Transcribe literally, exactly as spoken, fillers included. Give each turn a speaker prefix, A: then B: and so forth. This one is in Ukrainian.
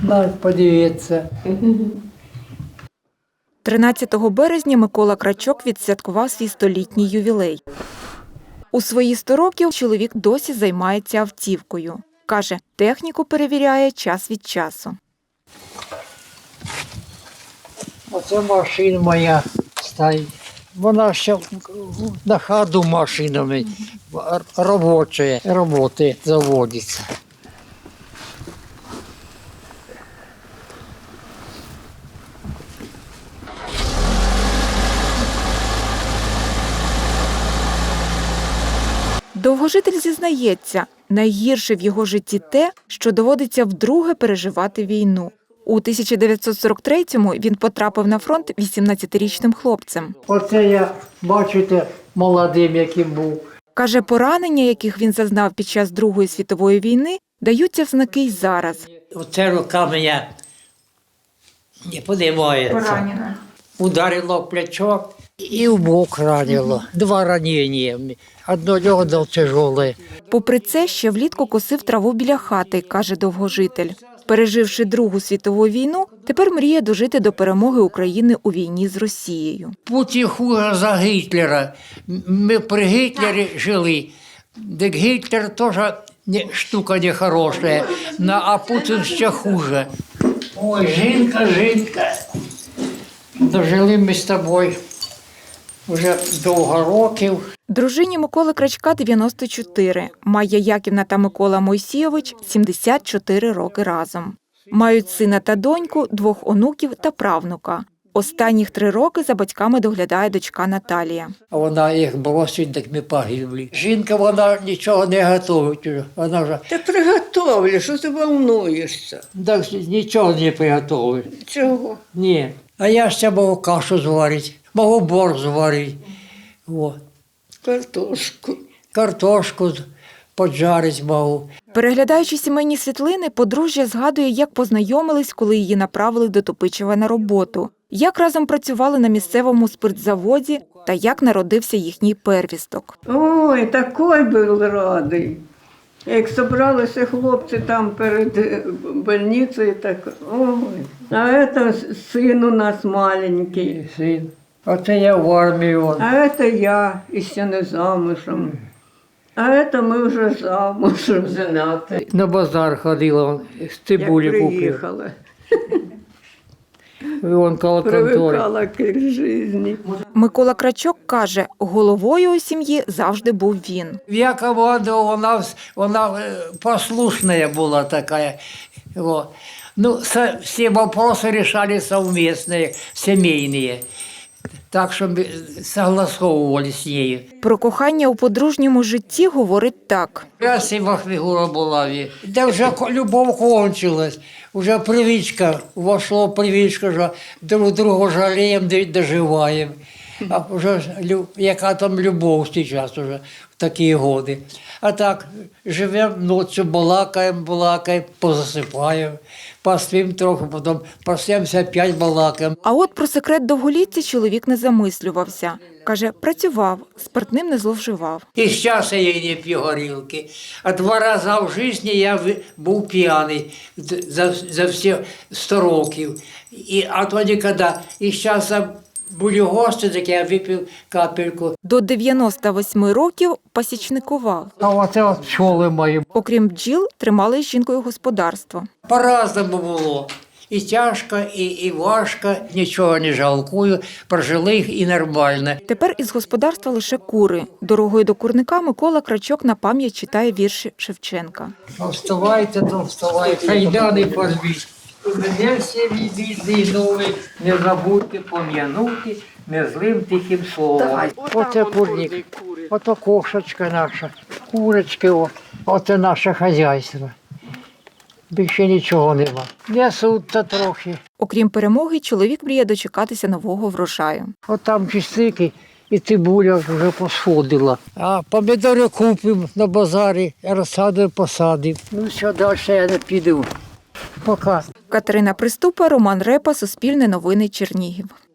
A: навіть подивитися.
B: тринадцятого березня Микола Крачок відсвяткував свій столітній ювілей. У свої сто років чоловік досі займається автівкою. Каже, техніку перевіряє час від часу.
A: Оце машина моя стоїть. Вона ще на ходу машинами робоча, роботи заводиться.
B: Довгожитель зізнається, найгірше в його житті те, що доводиться вдруге переживати війну. У тисяча дев'ятсот сорок третьому він потрапив на фронт вісімнадцятирічним хлопцем.
A: Оце я, бачите, молодим яким був.
B: Каже, поранення, яких він зазнав під час Другої світової війни, даються в знаки й зараз.
A: Оце рука мене не підіймається.
B: Поранена.
A: Ударило в плечо і в бок ранило. Два ранення. Одно льодо тяжеле.
B: Попри це, ще влітку косив траву біля хати, каже довгожитель. Переживши Другу світову війну, тепер мріє дожити до перемоги України у війні з Росією.
A: Путін хуже за Гітлера. Ми при Гітлері жили. Так Гітлер теж не, штука нехороша, а Путін ще хуже. Ой, жінка, жінка. Дожили ми з тобою вже довго років.
B: Дружині Миколи Крачка дев'яносто чотири, Майя Яківна та Микола Мойсійович – сімдесят чотири роки разом. Мають сина та доньку, двох онуків та правнука. Останніх три роки за батьками доглядає дочка Наталія.
A: А вона їх бросить, так ми погибли. Жінка, вона нічого не готує. Вона вже
C: Та приготовлю, що ти волнуєшся?
A: так, нічого не приготує.
C: Чого?
A: Ні. А я ще можу кашу зварити, можу борщ зварити. О.
C: Картошку.
A: Картошку поджарити можу.
B: Переглядаючи сімейні світлини, подружжя згадує, як познайомились, коли її направили до Топичева на роботу, як разом працювали на місцевому спиртзаводі та як народився їхній первісток.
C: Ой, такий був радий. Як зібралися хлопці там перед больницею, так ой. А це син у нас маленький.
A: Син. Оце я в армії. Он.
C: А це я, і ще не замужем. А це ми вже замужем женати.
A: На базар ходила, он, з цибулі
C: Як
A: купив.
C: приїхала.
A: І он коло контори.
C: Привикала к житті.
B: Микола Крачок каже, головою у сім'ї завжди був він.
A: Я командував, вона, вона е, послушная була така. О. Ну, со, всі вопроси рішали совместные, сімейні. Так що ми согласовували з нею.
B: Про кохання у подружньому житті говорить так.
A: Красива фігура була. Де вже любов кончилась, вже привичка, вошло привичка, що друг друга жаліємо, доживаємо. А вже яка там любов зараз вже в такі годи. А так, живемо ночі, балакаємо, балакаємо, позасипаємо, поспимо трохи, потім проснемося, опять балакаємо.
B: А от про секрет довголіття чоловік не замислювався. Каже, працював, спиртним не зловживав.
A: І зараз я не п'ю горілки. А два рази в житті я був п'яний за, за всі сто років. І, а тоді, коли, і зараз були гості, так я випив капельку.
B: До дев'яноста восьми років пасічникував.
A: А оце от пчоли мої.
B: Окрім бджіл, тримали з жінкою господарство.
A: По-разному було. І тяжко, і, і важко, нічого не жалкую, прожили їх і нормально.
B: Тепер із господарства лише кури. Дорогою до курника Микола Крачок на пам'ять читає вірші Шевченка.
A: Ну, вставайте, то вставайте, кайдани порвіть. Мене всі відійди нові, не забудьте пом'янути незлим тихим словом. Оце курник, ото кошечка наша, курочки, о. Оце наше хазяйство. Більше нічого нема. Несуть та трохи.
B: Окрім перемоги, чоловік мріє дочекатися нового врожаю.
A: От там чистики і цибуля вже посходила. А помідори купимо на базарі, розсадимо, посадимо. Ну що, далі я не піду. Пока.
B: Катерина Приступа, Роман Репа, Суспільне новини, Чернігів.